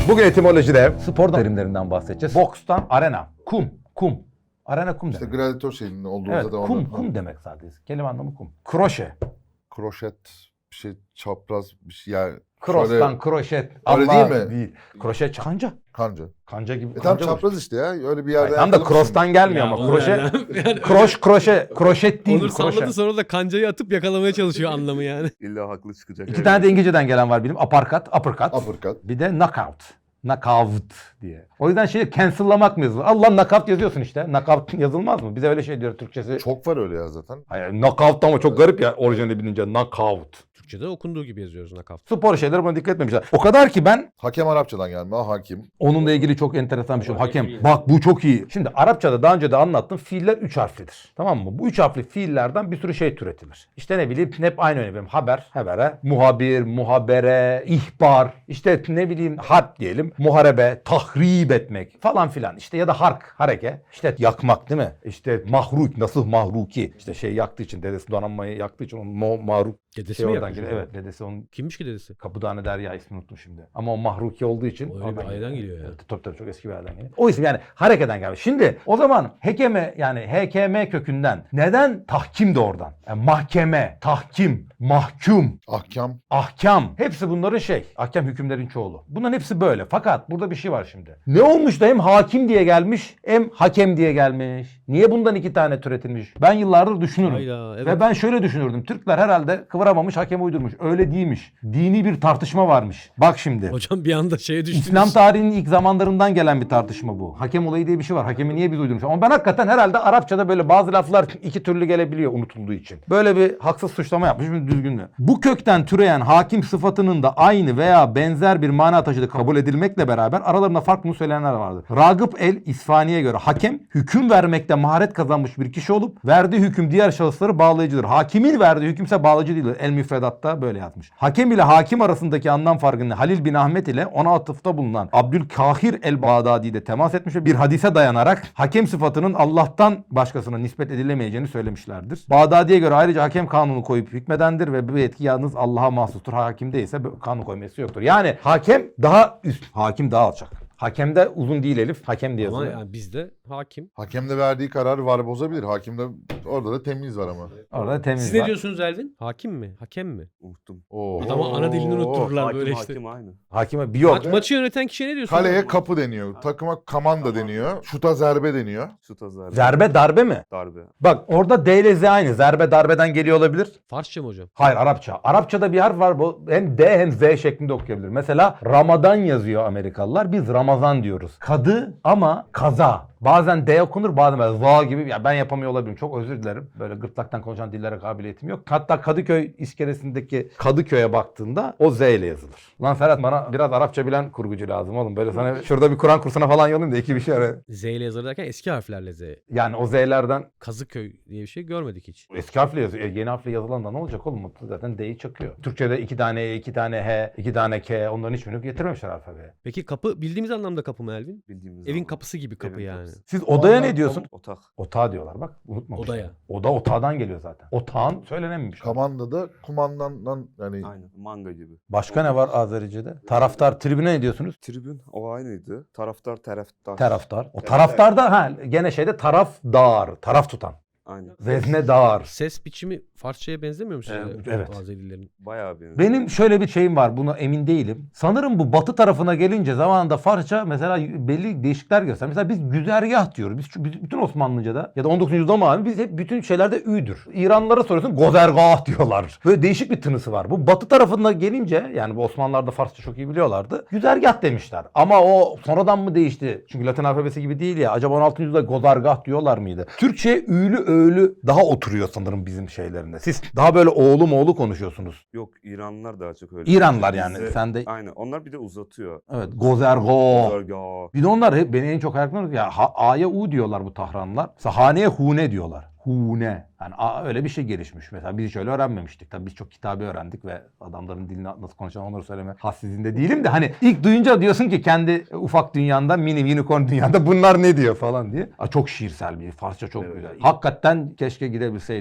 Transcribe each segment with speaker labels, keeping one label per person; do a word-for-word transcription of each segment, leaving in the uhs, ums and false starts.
Speaker 1: Bugün etimolojide spor terimlerinden bahsedeceğiz. Bokstan arena, kum, kum. Arena kum
Speaker 2: İşte
Speaker 1: demek.
Speaker 2: gladiator şeyinin olduğu
Speaker 1: Evet,
Speaker 2: zaten
Speaker 1: kum,
Speaker 2: orada.
Speaker 1: kum demek sadece. Kelime anlamı kum. Kroşe.
Speaker 2: Kroşet, bir şey çapraz bir şey yani.
Speaker 1: Cross'tan
Speaker 2: şöyle-
Speaker 1: kroşet.
Speaker 2: Öyle
Speaker 1: Allah
Speaker 2: değil mi?
Speaker 1: Değil. Kroşe kanca.
Speaker 2: Kanca.
Speaker 1: Kanca gibi.
Speaker 2: E tam
Speaker 1: kanca
Speaker 2: çapraz
Speaker 1: olur.
Speaker 2: işte ya. Öyle bir yerde.
Speaker 1: Hayır, tam da
Speaker 2: yakalamışsın.
Speaker 1: cross'tan gelmiyor
Speaker 3: Ya
Speaker 1: ama.
Speaker 3: o
Speaker 1: Kroşe.
Speaker 3: yani. Yani
Speaker 1: Kroş, kroşe. Kroşet değil.
Speaker 3: Onur
Speaker 1: Kroşe.
Speaker 3: salladı sonra da kancayı atıp yakalamaya çalışıyor anlamı yani.
Speaker 4: İlla haklı çıkacak.
Speaker 1: İki tane de İngilizceden gelen var benim. Uppercut, uppercut.
Speaker 2: Uppercut.
Speaker 1: Bir de knockout. Knockout diye. O yüzden şey cancel'lamak mı yazılır? Allah knockout yazıyorsun işte. Knockout yazılmaz mı? Bize öyle şey diyor Türkçesi.
Speaker 2: Çok var öyle ya zaten.
Speaker 1: Hayır, knockout ama çok garip ya orijinali bilince. Knockout.
Speaker 3: Türkçe'de okunduğu gibi yazıyoruz nakavt.
Speaker 1: Spor şeyleri buna dikkat etmemişler. O kadar ki ben
Speaker 2: Hakem Arapçadan gelme. Ha, hakim.
Speaker 1: onunla ilgili çok enteresan bir şey.
Speaker 3: Ama
Speaker 1: Hakem.
Speaker 3: iyi.
Speaker 1: Bak bu çok iyi. Şimdi Arapçada daha önce de anlattım. Fiiller üç harflidir. Tamam mı? Bu üç harfli fiillerden bir sürü şey türetilir. İşte ne bileyim hep aynı örneği. Haber, habere, muhabir, muhabere, ihbar. İşte ne bileyim harp diyelim. Muharebe, tahrip etmek falan filan. İşte ya da hark, hareke. İşte yakmak değil mi? İşte mahruk, nasıl mahruki. İşte şey yaktığı için, dedesi donanmayı yaktığı için onun mo- mahruk
Speaker 3: Dedesi
Speaker 1: şey
Speaker 3: mi
Speaker 1: oradan
Speaker 3: yapmış
Speaker 1: geliyor.
Speaker 3: onu?
Speaker 1: Evet, dedesi onun
Speaker 3: Kimmiş ki dedesi?
Speaker 1: Kapıdane Derya ismini unuttum şimdi. Ama o mahruki olduğu için.
Speaker 3: O öyle
Speaker 1: oradan
Speaker 3: bir aileden geliyor ya.
Speaker 1: Evet, tabii tabii çok eski bir aileden geliyor. O isim yani harekeden gelmiş. Şimdi o zaman hekeme yani H K M kökünden neden tahkim de oradan? Yani mahkeme, tahkim, mahkum,
Speaker 2: Ahkam.
Speaker 1: ahkam. Hepsi bunların şey. Ahkam hükümlerin çoğulu. Bunların hepsi böyle. Fakat burada bir şey var şimdi. Ne olmuş da hem hakim diye gelmiş hem hakem diye gelmiş. Niye bundan iki tane türetilmiş? Ben yıllardır düşünürüm.
Speaker 3: Hayda, evet.
Speaker 1: Ve ben şöyle düşünürdüm. Türkler herhalde kıvıramamış, hakem uydurmuş. Öyle değilmiş. Dini bir tartışma varmış. Bak şimdi.
Speaker 3: Hocam bir anda şeye düştünüz.
Speaker 1: İslam tarihinin ilk zamanlarından gelen bir tartışma bu. Hakem olayı diye bir şey var. Hakemi niye biz uydurmuş? Ama ben hakikaten herhalde Arapçada böyle bazı laflar iki türlü gelebiliyor unutulduğu için. Böyle bir haksız suçlama yapmış mı düzgün mü? Bu kökten türeyen hakim sıfatının da aynı veya benzer bir mana taşıdığı kabul edilmekle beraber aralarında farklı söyleyenler vardır. Ragıp el İsfani'ye göre hakem hüküm vermekte maharet kazanmış bir kişi olup verdiği hüküm diğer şahısları bağlayıcıdır. Hakimin verdiği hükümse bağlayıcı değildir. El müfredatta böyle yazmış. Hakem ile hakim arasındaki anlam farkını Halil bin Ahmet ile ona atıfta bulunan Abdülkahir el-Bağdadi de temas etmiş ve bir hadise dayanarak hakem sıfatının Allah'tan başkasına nispet edilemeyeceğini söylemişlerdir. Bağdadi'ye göre ayrıca hakem kanunu koyup hükmedendir ve bu yetki yalnız Allah'a mahsustur. Hakim değilse kanun koyması yoktur. Yani hakem daha üst, hakim daha alçak. Hakemde uzun değil elif, hakem diye
Speaker 3: Ama
Speaker 1: yazılıyor.
Speaker 3: yani bizde hakim.
Speaker 2: Hakem de verdiği kararı var bozabilir. Hakimde orada da temiz var ama.
Speaker 1: Orada temiz
Speaker 3: Siz
Speaker 1: var.
Speaker 3: ne diyorsunuz Elvin? Hakim mi? Hakem mi?
Speaker 4: Unuttum.
Speaker 2: Oo.
Speaker 3: Adama ana dilini unuttururlar
Speaker 4: Hakim
Speaker 3: böyle işte.
Speaker 4: hakim aynı.
Speaker 1: Hakime bir yok.
Speaker 3: Maç, maçı yöneten kişiye ne diyorsun?
Speaker 2: Kaleye kapı deniyor. Takıma kamanda deniyor. Şuta zerbe deniyor.
Speaker 4: Şut zarbe.
Speaker 1: Zerbe darbe mi?
Speaker 4: Darbe.
Speaker 1: Bak orada D ile Z aynı. Zerbe darbeden geliyor olabilir.
Speaker 3: Farsça mı hocam?
Speaker 1: Hayır Arapça. Arapçada bir harf var. Bu hem D hem Z şeklinde okuyabilir. Mesela Ramadan yazıyor Amerikalılar. Biz Ramazan diyoruz. Kadı ama kaza. Bazen D okunur bazen böyle za gibi. Ya ben yapamıyor olabilirim. Çok özür dilerim. Böyle gırtlaktan konuşan dillere kabiliyetim yok. Hatta Kadıköy iskelesindeki Kadıköy'e baktığında o Z ile yazılır. Lan Ferhat bana biraz Arapça bilen kurgucu lazım oğlum. Böyle sana şurada bir Kur'an kursuna falan yollayayım da iki bir şey ara.
Speaker 3: Z ile yazılır derken eski harflerle Z.
Speaker 1: Yani o Z'lerden
Speaker 3: Kazıköy diye bir şey görmedik hiç.
Speaker 1: eski harfle yazıyor. E, yeni harfle yazılan da ne olacak oğlum? Zaten D'yi çakıyor. Türkçe'de iki tane E, iki tane H, iki tane K onların hiçbirini getirmemişler alfabeye.
Speaker 3: Peki kapı bildiğimiz anlamda kapı mı Elvin?
Speaker 4: Bildiğimiz
Speaker 3: Evin
Speaker 4: zaman.
Speaker 3: kapısı gibi kapı
Speaker 4: Evin
Speaker 3: yani.
Speaker 4: kapısı.
Speaker 1: Siz odaya
Speaker 2: Ondan-
Speaker 1: ne diyorsun?
Speaker 4: Otak.
Speaker 1: Otağı diyorlar bak unutmamışlar.
Speaker 3: Odaya.
Speaker 1: Oda otağdan geliyor zaten. Otağın söylenememiş.
Speaker 2: Kamanda da kumandandan yani
Speaker 4: Aynen. Manga gibi.
Speaker 1: Başka ne var Azerice'de? Taraftar tribüne ne diyorsunuz?
Speaker 4: Tribün o aynıydı. Taraftar taraftar.
Speaker 1: Taraftar. O
Speaker 4: Evet.
Speaker 1: taraftarda ha gene şeyde tarafdar, taraf tutan.
Speaker 4: Aynen.
Speaker 1: Veznedar.
Speaker 3: Ses biçimi Farsçaya benzemiyor mu size?
Speaker 1: Evet, evet.
Speaker 3: Azerilerin.
Speaker 4: Bayağı benziyor.
Speaker 1: Benim şöyle bir şeyim var, buna emin değilim. Sanırım bu batı tarafına gelince zamanında Farsça mesela belli değişiklikler göster. Mesela biz güzergah diyoruz. Biz, biz bütün Osmanlıca'da ya da on dokuzuncu yüzyılda mı biz hep bütün şeylerde ü'dür. İranlılara soruyorsun gozergah diyorlar. Böyle değişik bir tınısı var. Bu batı tarafına gelince yani bu Osmanlılar da Farsça çok iyi biliyorlardı. Güzergah demişler. Ama o sonradan mı değişti? Çünkü Latin alfabesi gibi değil ya. Acaba on altıncı yüzyılda gozergah diyorlar mıydı? Türkçe ü'lü öğlü daha oturuyor sanırım bizim şeylerinde. Siz daha böyle oğlu moğlu konuşuyorsunuz.
Speaker 4: Yok İranlılar daha çok öyle.
Speaker 1: İranlılar yani.
Speaker 4: Bizde-
Speaker 1: Sen de
Speaker 4: Aynen. Onlar bir de uzatıyor.
Speaker 1: evet gozergo.
Speaker 4: Zarga.
Speaker 1: Bir de onlar hep beni en çok hayal kırıyor. Ya ha- A'ya U diyorlar bu Tahranlılar. Mesela haneye hune diyorlar. Hune. Yani A, öyle bir şey gelişmiş. Mesela biz hiç öyle öğrenmemiştik. Tabii biz çok kitabı öğrendik ve adamların dilini nasıl konuşan onları söyleme hassizliğinde değilim de hani ilk duyunca diyorsun ki kendi ufak dünyanda mini unicorn dünyada bunlar ne diyor falan diye. Aa, çok şiirsel bir Farsça çok
Speaker 4: Evet.
Speaker 1: güzel. Hakikaten keşke gidebilseydim.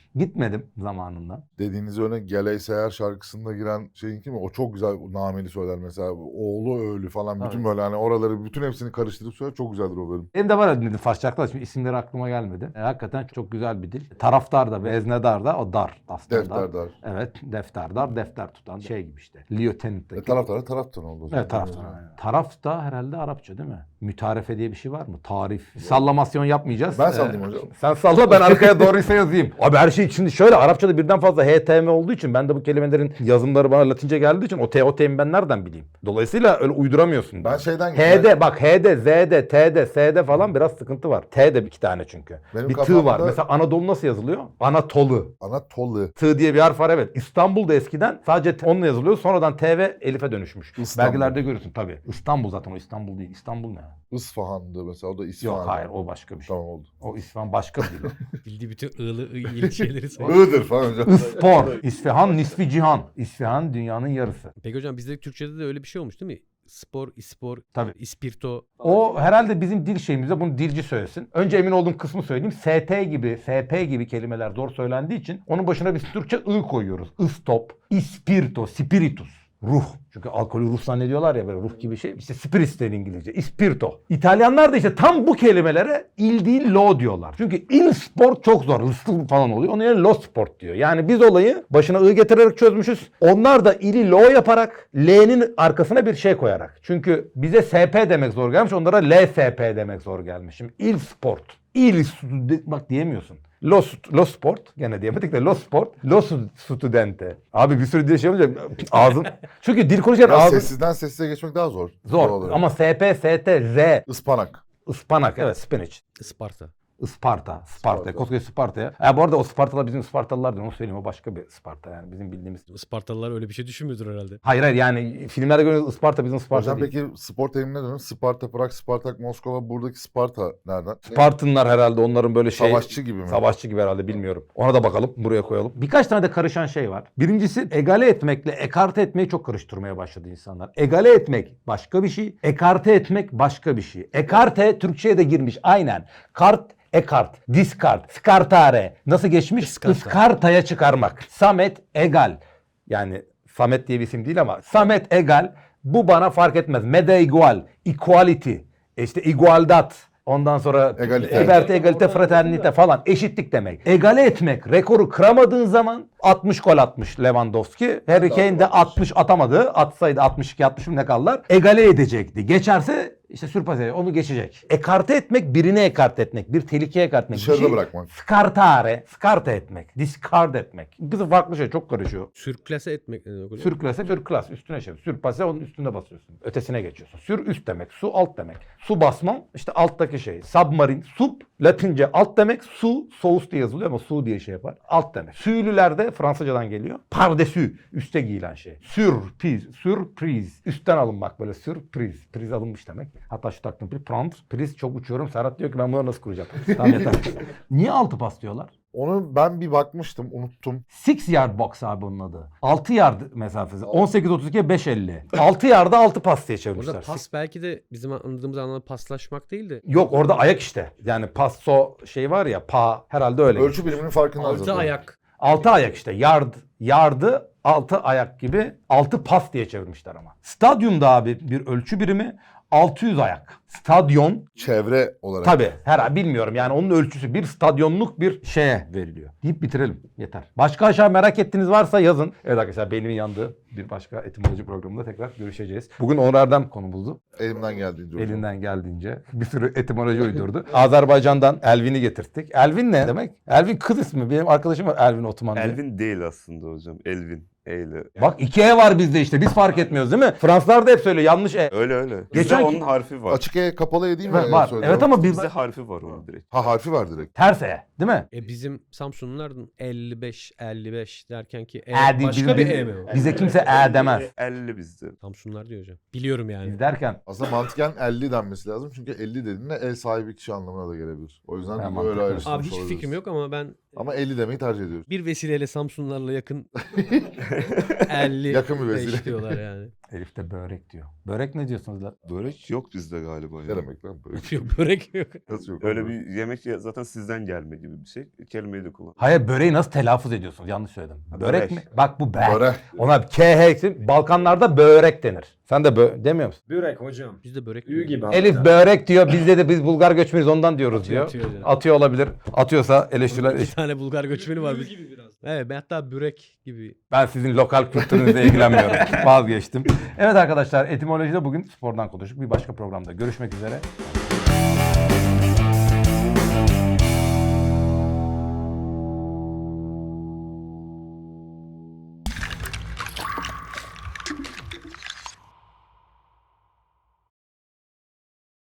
Speaker 1: Gitmedim zamanında.
Speaker 2: Dediğiniz örnek Geley Seher şarkısında giren şeyin kimi? O çok güzel nameli söyler mesela. Oğlu ölü falan. Bütün
Speaker 1: Evet.
Speaker 2: böyle hani oraları bütün hepsini karıştırıp söyler. Çok güzeldir o bölüm.
Speaker 1: Benim de var dedim Farsça arkadaş. Şimdi isimleri aklıma gelmedi. E, hakikaten çok güzel bir dil. Taraftar da, veznedar da o dar aslında.
Speaker 2: Defter dar.
Speaker 1: Evet, defterdar, defter tutan şey gibi işte. Lieutenant'taki.
Speaker 2: E, taraftar taraftan oldu. o zaman.
Speaker 1: Evet, taraftar. aynen. Taraf da herhalde Arapça değil mi? Mütarefe diye bir şey var mı? Tarif. Sallamasyon yapmayacağız.
Speaker 2: Ben
Speaker 1: Ee,
Speaker 2: sallayayım hocam.
Speaker 1: Sen salla, ben arkaya doğruysa yazayım. Abi her şey şimdi şöyle, Arapçada birden fazla H T M olduğu için ben de bu kelimelerin yazımları bana Latince geldiği için o T o T'yi ben nereden bileyim? Dolayısıyla öyle uyduramıyorsun.
Speaker 2: Ben şeyden
Speaker 1: H'de bak, H'de, Z'de, T'de, S'de falan biraz sıkıntı var. T'de iki tane çünkü.
Speaker 2: Benim
Speaker 1: bir tığ
Speaker 2: kafamda-
Speaker 1: var. Mesela Anadolu nasıl yazılıyor? Anatolu.
Speaker 2: Anatolu.
Speaker 1: Tığ diye bir harf var, evet. İstanbul'da eskiden sadece T- onunla yazılıyor. Sonradan T ve Elif'e dönüşmüş.
Speaker 2: İstanbul.
Speaker 1: Belgelerde görürsün tabii. İstanbul zaten, o İstanbul değil. İstanbul ne?
Speaker 2: Isfahan'dı mesela. O da İsfahan.
Speaker 1: Yok hayır, o başka bir şey.
Speaker 2: Tamam oldu.
Speaker 1: O İsfahan başka bir dil.
Speaker 3: Bildiği bütün ığlı ığ şeyleri sayıyor.
Speaker 2: Iğdır falan hocam.
Speaker 1: Ispor. İsfahan nisfi cihan. İsfahan dünyanın yarısı.
Speaker 3: Peki hocam bizde Türkçe'de de öyle bir şey olmuş değil mi? Spor, ispor,
Speaker 1: Tabii.
Speaker 3: ispirto.
Speaker 1: O herhalde bizim dil şeyimizde, bunu dilci söylesin. Önce emin olduğum kısmı söyleyeyim. S T gibi, S P gibi kelimeler zor söylendiği için onun başına biz Türkçe ı koyuyoruz. Istop, ispirto, spiritus. Ruh. Çünkü alkolü ruh zannediyorlar ya, böyle ruh gibi şey. İşte spirits der İngilizce. Ispirto. İtalyanlar da işte tam bu kelimelere il değil lo diyorlar. Çünkü il sport çok zor. Hırslı falan oluyor. Onun yerine lo sport diyor. Yani biz olayı başına ı getirerek çözmüşüz. Onlar da ili lo yaparak L'nin arkasına bir şey koyarak. Çünkü bize S P demek zor gelmiş. Onlara L S P demek zor gelmiş. Şimdi il sport. Il bak diyemiyorsun. Lo, lo sport gene diyemedik de lo sport, lo studente. Abi bir sürü diye şey olunca ağzım. Çünkü dil konuşurken
Speaker 2: Ya
Speaker 1: ağzım
Speaker 2: sessizden sessize geçmek daha zor.
Speaker 1: zor.
Speaker 2: Doğal olarak.
Speaker 1: Ama S P, S T, Z,
Speaker 2: Ispanak.
Speaker 1: ıspanak, evet, spinach.
Speaker 3: Isparta.
Speaker 1: Isparta, Sparta,
Speaker 2: Sparta.
Speaker 1: koskoca Sparta'ya. Ya bu arada o Spartalılar bizim Spartalılar değil, onu söyleyeyim, o başka bir Sparta yani bizim bildiğimiz.
Speaker 3: Ispartalılar öyle bir şey düşünmüyordur herhalde.
Speaker 1: Hayır hayır, yani filmlerde görüyoruz Isparta bizim Sparta
Speaker 2: Hocam
Speaker 1: değil.
Speaker 2: peki spor terimine dönün. Sparta, Prag, Spartak, Moskova. Buradaki Sparta nereden?
Speaker 1: Spartınlar herhalde onların böyle şey.
Speaker 2: Savaşçı gibi mi?
Speaker 1: Savaşçı gibi herhalde, bilmiyorum. Ona da bakalım, buraya koyalım. Birkaç tane de karışan şey var. Birincisi egale etmekle ekarte etmeyi çok karıştırmaya başladı insanlar. Egale etmek başka bir şey, ekarte etmek başka bir şey. Ekarte Türkçe'ye de girmiş aynen. Kart, ekart, discard, skartare. Nasıl geçmiş?
Speaker 3: Iskarta.
Speaker 1: Iskartaya çıkarmak. Samet egal. Yani Samet diye bir isim değil ama Samet egal. Bu bana fark etmez. Mede igual, equality, işte igualdad. Ondan sonra
Speaker 2: Egalite.
Speaker 1: liberté, egalite, fraternite falan, eşitlik demek. Egale etmek, rekoru kıramadığın zaman altmış gol atmış Lewandowski. Harry Kane de altmış atamadı. Atsaydı altmış iki altmış ne kaldılar? Egale edecekti. Geçerse işte sürpase onu geçecek. Ekarte etmek, birini ekarte etmek, bir tehlikeye ekarte etmek. Bir
Speaker 2: Dışarıda
Speaker 1: şey-
Speaker 2: bırakmak.
Speaker 1: Skartare, skarte etmek, discard etmek. Kızı farklı şey, çok karışıyor.
Speaker 3: Sürklase etmek ne demek hocam?
Speaker 1: Sürklase, sürklas, üstüne şey. Sürpase, onun üstüne basıyorsun. Ötesine geçiyorsun. Sür üst demek, su alt demek. Su basmam işte alttaki şey. Submarine, sub Latince alt demek. Su, sous diye yazılıyor ama su diye şey yapar. Alt demek. Sülüler de Fransızcadan geliyor. Pardesü, üste giyilen şey. Sürpriz, sürpriz. Üstten alınmak böyle, sürpriz. Priz alınmış demek. Hatta şu taktım bir prompt. Priz çok uçuyorum. Serhat diyor ki ben bunları nasıl kuracağım? Tamam yeter. Niye altı pas diyorlar?
Speaker 2: Onu ben bir bakmıştım, unuttum.
Speaker 1: Six yard box abi onun adı. altı yard mesafesi. on sekiz otuz iki beş elli. altı yarda altı pas diye çevirmişler.
Speaker 3: Orada pas belki de bizim anladığımız anlamda paslaşmak değil de
Speaker 1: Yok, orada ayak işte. Yani passo şey var ya, pa herhalde öyle.
Speaker 2: Ölçü biriminin farkında
Speaker 3: altı ayak.
Speaker 1: altı ayak işte. Yard, yardı altı ayak gibi, altı pas diye çevirmişler ama. Stadyumda abi bir ölçü birimi altı yüz ayak. Stadyon
Speaker 2: Çevre olarak.
Speaker 1: tabii her bilmiyorum yani onun ölçüsü bir stadyonluk bir şeye veriliyor. Deyip bitirelim, yeter. Başka aşağı merak ettiğiniz varsa yazın. Evet arkadaşlar, beynimin yandığı bir başka etimoloji programında tekrar görüşeceğiz. Bugün Onur Erdem konumuzdu.
Speaker 2: Elimden geldiğince. hocam.
Speaker 1: Elinden geldiğince bir sürü etimoloji uydurdu. Azerbaycan'dan Elvin'i getirttik. Elvin ne demek? Elvin kız ismi. Benim arkadaşım var Elvin Otuman diye.
Speaker 4: Elvin değil aslında hocam. Elvin. Eyle.
Speaker 1: Bak iki E var bizde işte. Biz fark etmiyoruz değil mi? Fransızlar da hep söylüyor yanlış E.
Speaker 4: Öyle öyle. Bizde
Speaker 1: Geçen-
Speaker 4: onun harfi var.
Speaker 2: Açık E kapalı E değil mi?
Speaker 1: Var. var.
Speaker 2: Söylüyorum.
Speaker 1: Evet ama bir
Speaker 4: Bizde harfi var onun direkt.
Speaker 2: Ha harfi var direkt.
Speaker 1: ters E değil mi?
Speaker 3: E bizim Samsunlular elli beş elli beş derken ki E,
Speaker 1: E değil,
Speaker 3: başka
Speaker 1: bizim-
Speaker 3: bir
Speaker 1: bizim-
Speaker 3: E mi o?
Speaker 1: Bize kimse E demez.
Speaker 4: elli bizde.
Speaker 3: Samsunlular diyor hocam. Biliyorum yani.
Speaker 1: Biz derken
Speaker 2: Aslında mantıken elli denmesi lazım. Çünkü elli dediğinde ev sahibi kişi anlamına da gelebilir. O yüzden
Speaker 1: Ha,
Speaker 2: böyle
Speaker 1: mantıklı.
Speaker 2: ayrıştırmış
Speaker 3: Abi hiç
Speaker 2: olabiliriz.
Speaker 3: fikrim yok ama ben
Speaker 2: Ama elli demeyi tercih ediyoruz.
Speaker 3: bir vesileyle Samsunlularla yakın elli
Speaker 2: Yakın bir vesile.
Speaker 3: beş diyorlar yani.
Speaker 1: Elif de börek diyor. Börek ne diyorsunuz lan?
Speaker 4: Börek yok bizde galiba.
Speaker 2: Ne
Speaker 4: Ya.
Speaker 2: demek lan böyle?
Speaker 3: Yok börek yok.
Speaker 2: Nasıl yok?
Speaker 4: Öyle
Speaker 2: abi?
Speaker 4: bir yemek ya- zaten sizden gelme gibi bir şey. Kelimeyi de kullan.
Speaker 1: Hayır, böreği nasıl telaffuz ediyorsunuz? Yanlış söyledim.
Speaker 4: Ha,
Speaker 1: Börek
Speaker 4: börek.
Speaker 1: mi? Bak bu be.
Speaker 2: Börek.
Speaker 1: Ona K H Balkanlarda börek denir. Sen de bö demiyor musun?
Speaker 5: Börek hocam.
Speaker 3: Bizde börek
Speaker 5: Ü
Speaker 3: diyor.
Speaker 5: gibi.
Speaker 1: Elif
Speaker 5: hatta.
Speaker 1: börek diyor. Bizde de biz Bulgar göçmeniyiz ondan diyoruz
Speaker 3: Atıyor,
Speaker 1: diyor.
Speaker 3: atıyor yani.
Speaker 1: Atıyor olabilir. Atıyorsa eleştiriler.
Speaker 3: Bir tane Bulgar göçmeni var.
Speaker 5: Ü
Speaker 3: Biz...
Speaker 5: gibi biraz.
Speaker 3: Evet ben hatta börek gibi.
Speaker 1: Ben sizin lokal kültürünüzle ilgilenmiyorum. Vazgeçtim. Evet arkadaşlar, etimolojide bugün spordan konuştuk. Bir başka programda görüşmek üzere.